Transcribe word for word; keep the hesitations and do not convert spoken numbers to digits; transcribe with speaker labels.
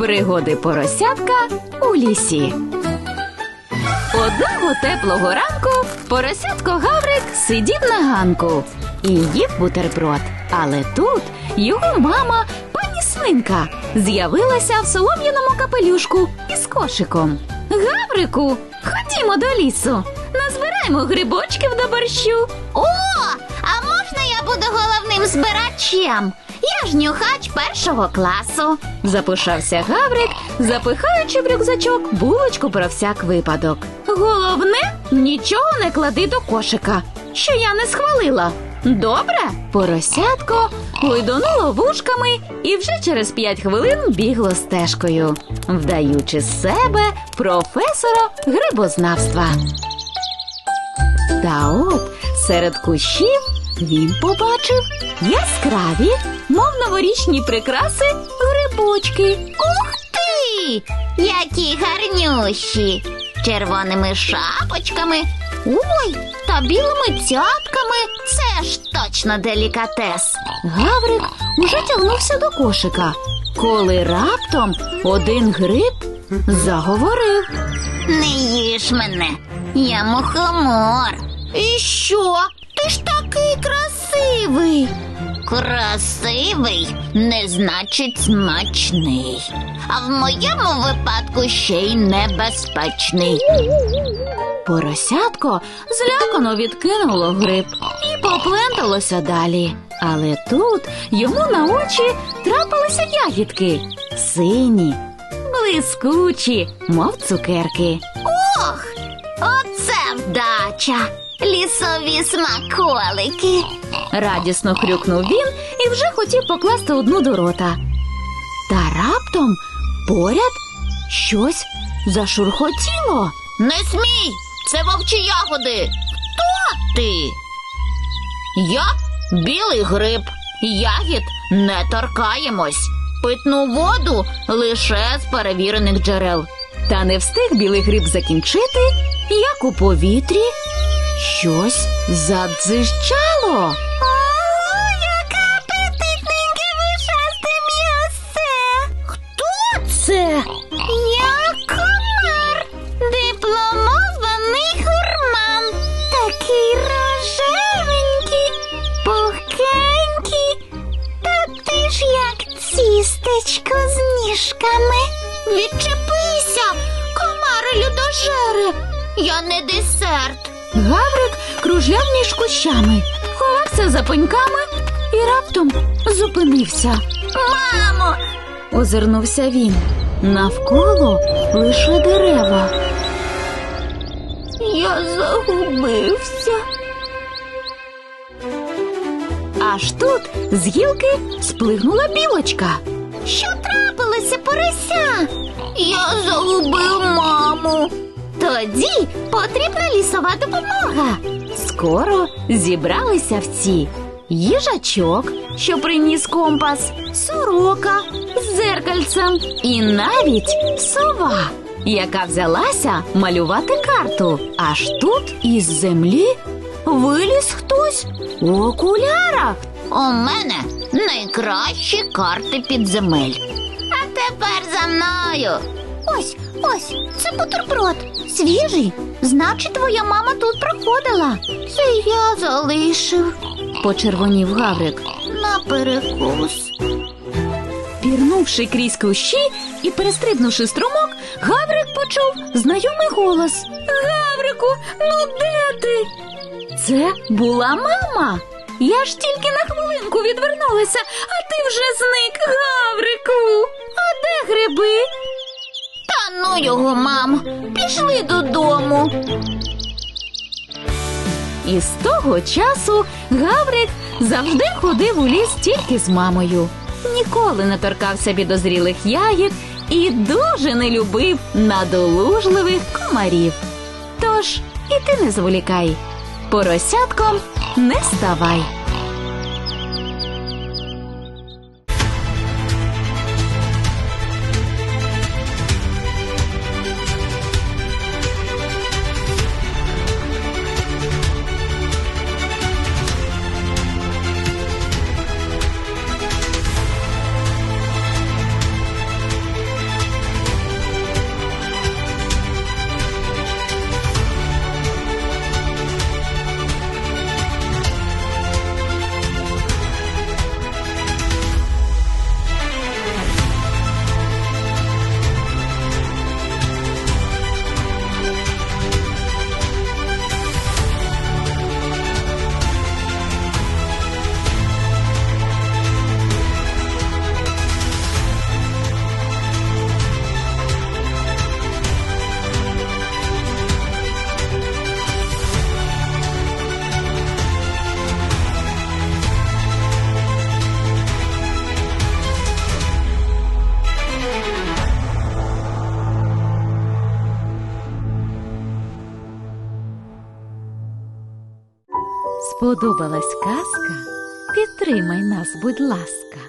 Speaker 1: Пригоди поросятка у лісі. Одного теплого ранку поросятко Гаврик сидів на ганку і їв бутерброд. Але тут його мама, пані Свинка, з'явилася в солом'яному капелюшку із кошиком. «Гаврику, ходімо до лісу, назбираємо грибочків до борщу».
Speaker 2: О, а можна я буду головним збирачем? Я ж нюхач першого класу.
Speaker 1: Запишався Гаврик, запихаючи в рюкзачок булочку про всяк випадок. «Головне, нічого не клади до кошика, що я не схвалила. Добре?» Поросятко гойдонуло вушками і вже через п'ять хвилин бігло стежкою, вдаючи з себе професора грибознавства. Та от серед кущів він побачив яскраві, мов новорічні прикраси, грибочки.
Speaker 2: Ух ти! Які гарнющі! Червоними шапочками, ой, та білими цятками. Це ж точно делікатес.
Speaker 1: Гаврик уже тягнувся до кошика, коли раптом один гриб заговорив.
Speaker 2: Не їж мене, я мухомор. І що? Ти ж такий красивий. Красивий не значить смачний. А в моєму випадку ще й небезпечний.
Speaker 1: Поросятко злякано відкинуло гриб і попленталося далі. Але тут йому на очі трапилися ягідки. Сині, блискучі, мов цукерки.
Speaker 2: Ох, оце вдача! Лісові смаколики.
Speaker 1: Радісно хрюкнув він і вже хотів покласти одну до рота. Та раптом поряд щось зашурхотіло.
Speaker 2: Не смій! Це вовчі ягоди. Хто ти? Я білий гриб. Ягід не торкаємось. Питну воду лише з перевірених джерел.
Speaker 1: Та не встиг білий гриб закінчити, як у повітрі щось задзижчало.
Speaker 2: О, яке апетитненьке вушасте м'ясце! Хто це? Я комар, дипломований гурман. Такий рожевенький, пухкенький. Та ти ж як цістечко з ніжками. Відчепися, комари людожери. Я не десерт.
Speaker 1: Гаврик кружляв між кущами, ховався за пеньками і раптом зупинився.
Speaker 2: Мамо!
Speaker 1: Озирнувся він. Навколо лише дерева.
Speaker 2: Я загубився.
Speaker 1: Аж тут з гілки сплигнула білочка.
Speaker 2: Що трапилося, порося? Я загубив маму. Тоді потрібна лісова допомога.
Speaker 1: Скоро зібралися всі. Їжачок, що приніс компас, сорока з дзеркальцем і навіть сова, яка взялася малювати карту. Аж тут із землі виліз хтось у окулярах.
Speaker 2: У мене найкращі карти підземель. А тепер за мною. Ось, ось, це бутерброд. Свіжий. Значить, твоя мама тут проходила. Це я залишив.
Speaker 1: Почервонів Гаврик.
Speaker 2: На перекус.
Speaker 1: Пірнувши крізь кущі і перестрибнувши струмок, Гаврик почув знайомий голос. «Гаврику, ну де ти?» Це була мама. «Я ж тільки на хвилинку відвернулася, а ти вже зник, Гаврику! А де гриби?»
Speaker 2: Та ну його, мам, пішли додому.
Speaker 1: І з того часу Гаврик завжди ходив у ліс тільки з мамою. Ніколи не торкався підозрілих ягід і дуже не любив надолужливих комарів. Тож і ти не зволікай, поросятком не ставай. Сподобалась казка? Підтримай нас, будь ласка.